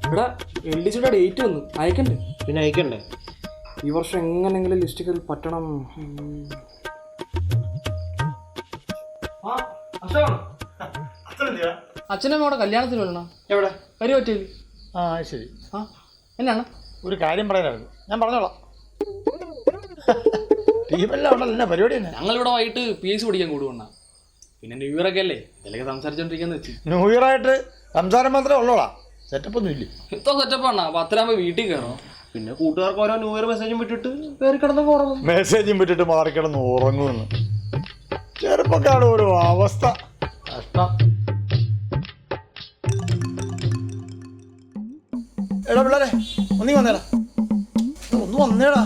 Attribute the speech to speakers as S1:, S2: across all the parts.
S1: ഇവിടെ LDCയുടെ ഡേറ്റ് വന്നു, അയക്കണ്ടേ?
S2: പിന്നെ അയക്കണ്ടേ?
S1: ഈ വർഷം എങ്ങനെങ്കിലും ലിസ്റ്റ് കയറി പറ്റണം.
S3: അച്ഛനമ്മയുടെ കല്യാണത്തിന് വരണം.
S2: എവിടെ?
S3: വരി പറ്റില്ല.
S2: ആ ശരി.
S3: ആ എന്നാണ്
S2: ഒരു കാര്യം പറയാനായിരുന്നു, ഞാൻ പറഞ്ഞോളാം. ടീമെല്ലാം ഉണ്ടല്ലോ, എന്നാ പരിപാടി തന്നെ?
S3: ഞങ്ങളിവിടെ വൈകിട്ട് PSC പഠിക്കാൻ കൂടുവണ്ണ. പിന്നെ ന്യൂ ഇയർ ഒക്കെ അല്ലേ, ഇതിലൊക്കെ സംസാരിച്ചോണ്ടിരിക്കാന്ന് വെച്ച്.
S2: ന്യൂ ഇയർ ആയിട്ട് സംസാരം മാത്രമേ ഉള്ളോളാം, സെറ്റപ്പ് ഒന്നും ഇല്ലേ?
S3: ഇത്ര സെറ്റപ്പ് ആണ്. 10 വീട്ടിൽ കയറണം.
S4: പിന്നെ കൂട്ടുകാർക്ക് ഓരോ ന്യൂ ഇയർ മെസ്സേജും വിട്ടിട്ട് കയറി കിടന്ന് ഉറങ്ങും.
S2: മെസ്സേജും വിട്ടിട്ട് മാറിക്കിടന്ന് ഉറങ്ങുമെന്ന്. ചെറുപ്പക്കാരുടെ ഒരു അവസ്ഥ കഷ്ടം. എടാ പിള്ളേരെ, ഒന്നി വന്നേടാ, ഒന്ന് വന്നേടാ.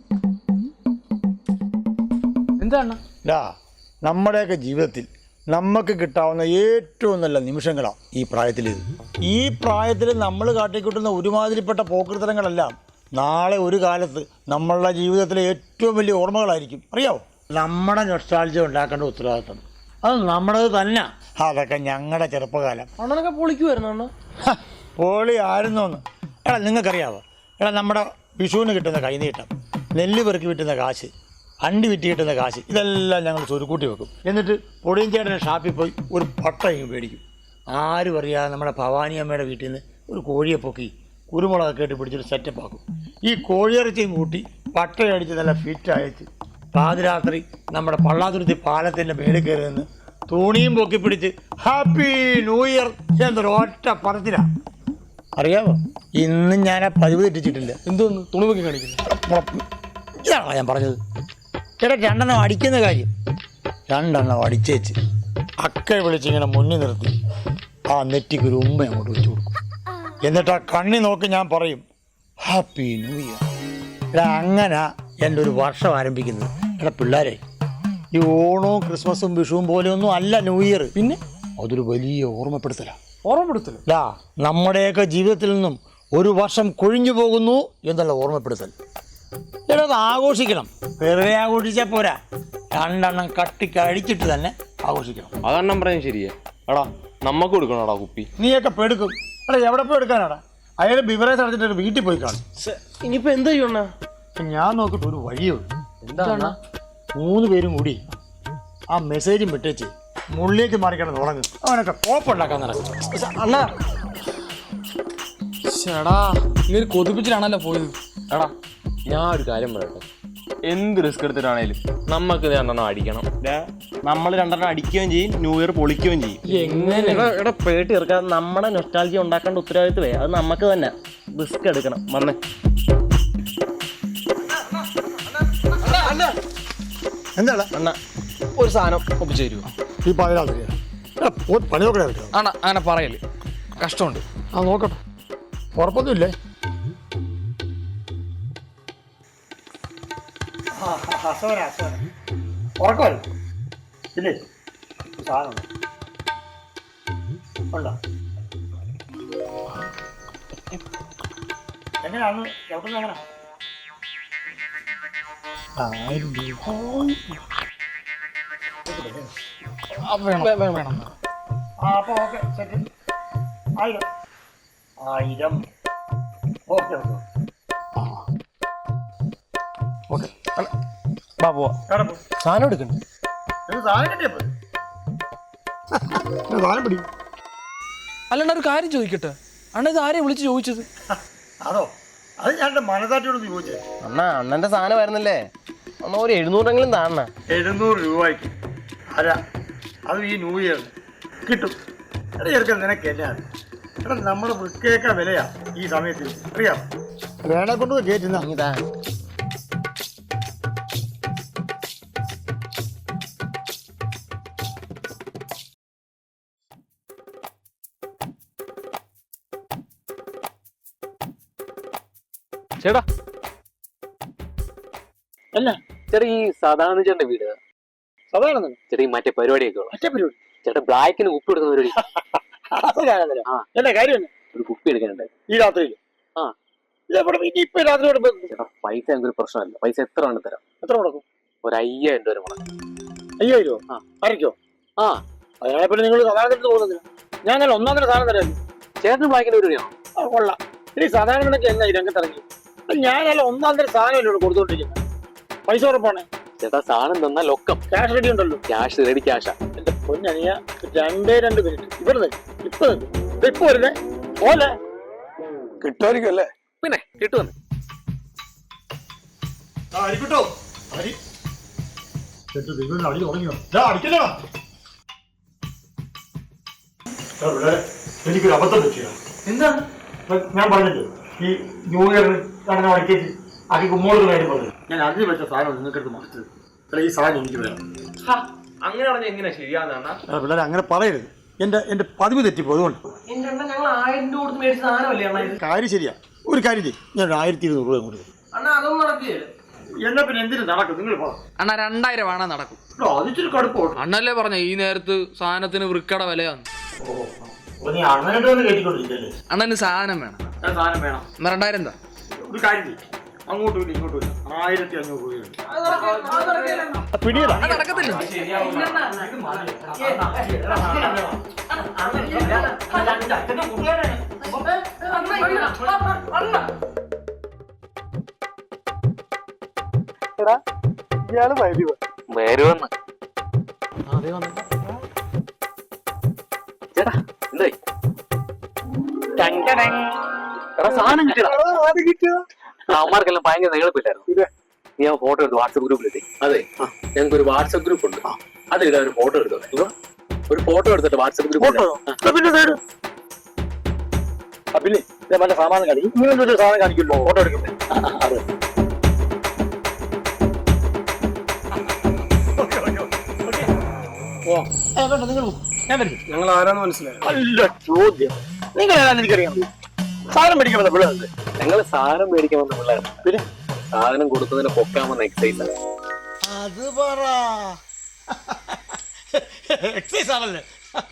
S3: എന്താണ്
S2: നമ്മുടെയൊക്കെ ജീവിതത്തിൽ നമുക്ക് കിട്ടാവുന്ന ഏറ്റവും നല്ല നിമിഷങ്ങളാണ് ഈ പ്രായത്തിലേത്. ഈ പ്രായത്തിൽ നമ്മൾ കാട്ടിക്കൂട്ടുന്ന ഒരുമാതിരിപ്പെട്ട പോക്കൃത്തരങ്ങളെല്ലാം നാളെ ഒരു കാലത്ത് നമ്മളുടെ ജീവിതത്തിലെ ഏറ്റവും വലിയ ഓർമ്മകളായിരിക്കും. അറിയാവോ? നമ്മുടെ നൊസ്റ്റാൾജിയ ഉണ്ടാക്കേണ്ട ഉത്തരവാദിത്തം അത് നമ്മുടേത് തന്നെ. അതൊക്കെ ഞങ്ങളുടെ ചെറുപ്പകാലം.
S4: അണ്ണനൊക്കെ പൊളിക്കുമായിരുന്നു അണ്ണ.
S2: പൊളി ആയിരുന്നോന്ന്. എടാ നിങ്ങൾക്കറിയാവോ, എടാ നമ്മുടെ വിഷുവിന് കിട്ടുന്ന കൈനീട്ടം, നെല്ല് പെറുക്കി വിട്ടുന്ന കാശ്, അണ്ടി വിറ്റ് കിട്ടുന്ന കാശ്, ഇതെല്ലാം ഞങ്ങൾ സ്വരുക്കൂട്ടി വെക്കും. എന്നിട്ട് പൊടിയും ചേട്ടനെ ഷാപ്പിൽ പോയി ഒരു പട്ടയും മേടിക്കും. ആരും അറിയാതെ നമ്മുടെ ഭവാനി അമ്മയുടെ വീട്ടിൽ നിന്ന് ഒരു കോഴിയെ പൊക്കി കുരുമുളകൊക്കെ ഇട്ട് പിടിച്ചൊരു സെറ്റപ്പ് ആക്കും. ഈ കോഴിയിറച്ചിയും കൂട്ടി പട്ടയടിച്ച് നല്ല ഫിറ്റ് അയച്ച് പാതിരാത്രി നമ്മുടെ പള്ളാതുരുത്തി പാലത്തിൻ്റെ മേളിൽ കയറി നിന്ന് തുണിയും പൊക്കി പിടിച്ച് ഹാപ്പി ന്യൂ ഇയർ എന്നൊരു ഒറ്റ പറച്ചിലാണ്. അറിയാമോ, ഇന്നും ഞാൻ ആ പതിവ് തെറ്റിച്ചിട്ടില്ല.
S3: എന്തോന്ന് തുണി പൊക്കി കാണിക്കുന്നു?
S2: ഇതാണോ ഞാൻ പറഞ്ഞത്? ചേട്ടാ 2 എണ്ണം അടിക്കുന്ന കാര്യം, 2 എണ്ണം അടിച്ചേച്ച് അക്കയെ വിളിച്ചിങ്ങനെ മുന്നിൽ നിർത്തി ആ നെറ്റിക്കൊരു ഉമ്മ അങ്ങോട്ട് വെച്ച് കൊടുക്കും. എന്നിട്ട് ആ കണ്ണി നോക്കി ഞാൻ പറയും ഹാപ്പി ന്യൂ ഇയർ. എടാ അങ്ങനെ എൻ്റെ ഒരു വർഷം ആരംഭിക്കുന്നത്. എടാ പിള്ളേരെ, ഈ ഓണവും ക്രിസ്മസും വിഷുവും പോലെയൊന്നും അല്ല ന്യൂ ഇയർ. പിന്നെ അതൊരു വലിയ ഓർമ്മപ്പെടുത്തലാണ്.
S3: ഓർമ്മപ്പെടുത്തല്ലോ.
S2: നമ്മുടെയൊക്കെ ജീവിതത്തിൽ നിന്നും ഒരു വർഷം കൊഴിഞ്ഞു പോകുന്നു എന്നുള്ള ഓർമ്മപ്പെടുത്തൽ. എടാ അത് ആഘോഷിക്കണം. വെറുതെ ആഘോഷിച്ചാൽ പോരാ, 2 എണ്ണം കട്ടിക്ക് അടിച്ചിട്ട് തന്നെ ആഘോഷിക്കണം.
S4: അതെണ്ണം പറയുന്നത് ശരിയാ. എടാ നമുക്ക് കൊടുക്കണോടാ കുപ്പി.
S2: നീയൊക്കെ പെടുക്കും. എടാ എവിടെ പോയി എടുക്കാനാടാ? അയാൾ ബിവറേജ് അടച്ചിട്ട് വീട്ടിൽ പോയി കാണും.
S4: ഇനിയിപ്പോ എന്ത് ചെയ്യണ?
S2: ഞാൻ നോക്കിയിട്ട് ഒരു വഴിയുള്ളൂ.
S3: എന്താണ്?
S2: 3 പേരും കൂടി ആ മെസ്സേജും വിട്ടേച്ച് മുള്ളിലേക്ക് മാറിക്കണം തുടങ്ങും. അവനൊക്കെ കോപ്പുണ്ടാക്കാൻ നടക്കും.
S3: അണ്ണ ചേടാ, ഇങ്ങനെ കൊതിപ്പിച്ചിട്ടാണല്ലോ പോയത്.
S4: എടാ ഞാൻ ഒരു കാര്യം പറയട്ടെ, എന്ത് റിസ്ക് എടുത്തിട്ടാണേലും നമുക്ക് 2 എണ്ണം അടിക്കണം. നമ്മൾ 2 എണ്ണം അടിക്കുകയും ചെയ്യും, ന്യൂ ഇയർ പൊളിക്കുകയും ചെയ്യും.
S3: എങ്ങനെ?
S4: എടാ പേട്ടി ഇറക്കാൻ നമ്മുടെ നൊസ്റ്റാൾജിയ ഉണ്ടാക്കേണ്ട ഉത്തരവാദിത്വമേ അത് നമുക്ക് തന്നെ. റിസ്ക് എടുക്കണം. വന്നേ
S2: എന്താണ്
S4: അണ്ണ ഒരു സാധനം ഒപ്പിച്ചു തരുമോ?
S2: ഈ പാതിരാത്രി പണി നോക്കണേ എടുക്കാം.
S3: ആണ അങ്ങനെ പറയല്, കഷ്ടമുണ്ട്.
S2: ആ നോക്കട്ടെ, ഉറപ്പൊന്നുമില്ലേ? ഉറക്കമല്ല ഇല്ലേ? സാധനം ഉണ്ടോ? എങ്ങനെയാണ് എവിടെ എങ്ങനെ? 1000 രൂപ
S3: വേണം.
S2: അപ്പോൾ okay set. 1000 okay okay okay.
S4: ബാബുവാ സാധനം എടുക്കണ്ടേ?
S2: സാധനം കിട്ടിയപ്പോ സാധനം പിടി.
S3: അല്ലാണ്ട് ഒരു കാര്യം ചോദിക്കട്ടെ, അണ്ണ ഇത് ആരെയും വിളിച്ച് ചോദിച്ചത്?
S2: അതോ, അത് ഞാൻ മനസാറ്റിയോട് ചോദിച്ചേ.
S4: അണ്ണന്റെ സാധനം വരുന്നില്ലേ, അണ്ണ ഒരു 700 താണ.
S2: 700 രൂപയ്ക്ക് അല്ല, അത് ഈ ന്യൂ ഇയർ കിട്ടും. എടാ ചെറുക്കൻ നിനക്ക് എന്നാണ്? എടാ നമ്മുടെ വൃക്കയൊക്കെ വിലയാ ഈ സമയത്ത്, അറിയാം. വേണെ കൊണ്ട് കയറ്റുന്ന
S4: ചേട്ടാ.
S2: അല്ല
S4: ചേട്ടാ ഈ സാധാരണ ചേട്ടന്റെ വീട്
S2: സാധാരണ
S4: ചേട്ടാ ഈ മറ്റേ പരിപാടിയൊക്കെ
S2: മറ്റേ പരിപാടി
S4: ചേട്ടാ ബ്ലാക്കിന് ഉപ്പ് എടുക്കുന്ന പരിപാടി.
S2: എന്നാ കാര്യം
S4: ഒരു കുപ്പി എടുക്കാനുണ്ട്
S2: ഈ രാത്രിയിൽ.
S4: ആ
S2: ഇപ്പൊ രാത്രി
S4: ചേട്ടാ പൈസ ഞങ്ങൾക്ക് പ്രശ്നമല്ല. പൈസ എത്ര വേണം തരാം.
S2: എത്ര മുടക്കും?
S4: ഒരു 5000 രൂപ മുടക്കും.
S2: 5000 രൂപ അരയ്ക്കോ?
S4: ആ
S2: അതിനായപ്പോൾ നിങ്ങൾ സാധാരണ പോകുന്നില്ല. ഞാൻ നല്ല 1 സാധനം തരാം.
S4: ചേട്ടന് ബ്ലാക്കിന് പരിപാടിയാണോ?
S2: കൊള്ളാം. ഇനി സാധാരണ നിനക്ക് എന്നാ ഈ രംഗത്തിറങ്ങി? ഞാനല്ല ഒന്നാം തരം സാധനം എന്നോട് കൊടുത്തോണ്ടിരിക്കുന്നത്. പൈസ ഉറപ്പാണ്.
S4: ചേട്ടാ സാധനം തന്നാൽ ലൊക്കം.
S2: ക്യാഷ് റെഡി ഉണ്ടല്ലോ.
S4: ക്യാഷ് റെഡി ക്യാഷാ.
S2: എന്റെ പൊന്നനിയ 2 മിനിറ്റ് ഇവിടെ ഇപ്പൊ ഇപ്പൊ വരുന്നേ പോലെ കിട്ടുമായിരിക്കും അല്ലേ?
S4: പിന്നെ കിട്ടുമെന്ന്
S2: എനിക്കൊരു അബദ്ധം പറ്റിയ
S1: എന്താണ്?
S2: ഞാൻ പറഞ്ഞില്ലേ ഈ ന്യൂ ഇയർ നടന്ന വഴിക്കേക്ക് ആക്കി കുമ്മോളുടെ കാര്യം പറഞ്ഞു. ഞാൻ അതിന് വെച്ച സാധനം നിങ്ങൾക്കെടുത്ത് മറിച്ചത്. ഈ സാധനം എനിക്ക് വേണം.
S4: അങ്ങനെ പറഞ്ഞാൽ എങ്ങനെയാ ശരിയാകുന്ന?
S2: പിള്ളേരെ അങ്ങനെ പറയരുത്. എന്റെ പതിവ് തെറ്റിപ്പോ. അതുകൊണ്ട്
S3: ഞങ്ങൾ 1000 രൂപ കൊടുത്ത് മേടിച്ച സാധനമല്ലേ അണ്ണ?
S2: കാര്യം ശരിയാ. ഒരു കാര്യം ചെയ്യും, ഞാൻ 1200 രൂപ കൊടുക്കും.
S3: അണ്ണാ അതൊന്നും നടക്കുകയില്ല.
S2: എന്നാ പിന്നെ എന്തിനു നടക്കും? നിങ്ങൾ പോകാം.
S3: അണ്ണാ 2000 വേണം നടക്കും.
S2: അതിച്ചിരി കടുപ്പം.
S3: അണ്ണല്ലേ പറഞ്ഞ ഈ നേരത്ത് സാധനത്തിന് വൃക്കട വിലയാണ്.
S2: നീ അണ്ണനായിട്ട് വന്ന് കയറ്റിക്കൊണ്ടിരിക്കല്ലേ?
S3: അണ്ണന് സാധനം വേണം.
S2: സാധനം വേണം.
S3: 2000 എന്താ?
S2: ഒരു കാര്യം ചെയ്യും, അങ്ങോട്ടും ഇല്ല ഇങ്ങോട്ടും ഇല്ല. 1500 രൂപയുണ്ട്. പിടിയതാ
S3: നടക്കത്തില്ല.
S2: ഇയാള് വരുവ
S4: വരുവന്ന്. ചേട്ടാ എന്തായി? സാധനം കിട്ടിയ അവന്മാർക്കെല്ലാം ഭയങ്കര നീളപ്പില്ലായിരുന്നു. നീ ആ ഫോട്ടോ എടുത്ത് വാട്സപ്പ് ഗ്രൂപ്പിലെത്തി. അതെ, ഞങ്ങൾക്ക് ഒരു വാട്സപ്പ് ഗ്രൂപ്പ് ഉണ്ട്. അതിലിടാ ഒരു ഫോട്ടോ എടുത്തോ. ഒരു ഫോട്ടോ എടുത്തിട്ട് വാട്സപ്പ് ഗ്രൂപ്പ്.
S2: പിന്നെ മറ്റേ സാമാനം കാണിക്കും. ഇങ്ങനെ സാധനം കാണിക്കുമല്ലോ ഫോട്ടോ എടുക്കുന്നത്. അതെ,
S1: ഞങ്ങൾ ആരാന്ന് മനസ്സിലായോ?
S2: നല്ല ചോദ്യം. നിങ്ങൾ ഏതാണെന്ന് എനിക്കറിയാം. സാധനം മേടിക്കാൻ വന്ന പിള്ളേർ.
S4: ഞങ്ങൾ സാധനം മേടിക്കാൻ വന്ന പിള്ളേർ. പിന്നെ സാധനം കൊടുത്തതിനെ പൊക്കാൻ വന്ന എക്സൈസ്.
S2: അത് പറ. എക്സൈസ് ആണല്ലേ?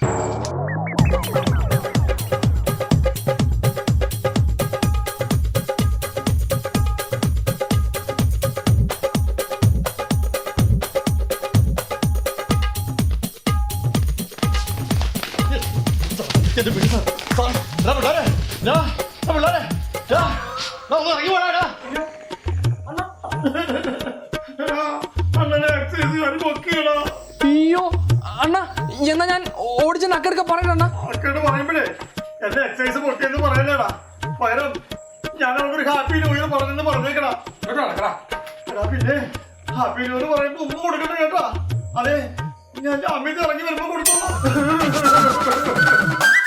S3: അയ്യോ അണ്ണ, എന്നാ ഞാൻ ഓടിച്ച നക്കെടുക്ക പറയണ.
S2: പറയുമ്പോഴേ എന്റെ എക്സൈസ് പൊട്ടിയെന്ന് പറയലേടാ. പകരം ഞാൻ അവർക്ക് ഹാപ്പി ന്യൂ ഇയർ പറഞ്ഞെന്ന് പറഞ്ഞേക്കടാ. പിന്നെ ഹാപ്പി ന്യൂ ഇയർ പറയുമ്പോ ഉമ്മ കൊടുക്കണ്ട കേട്ടാ. അതെ, ഞാൻ അമ്മയ്ക്ക് ഇറങ്ങി വരുമ്പോ കൊടുത്തോളാം.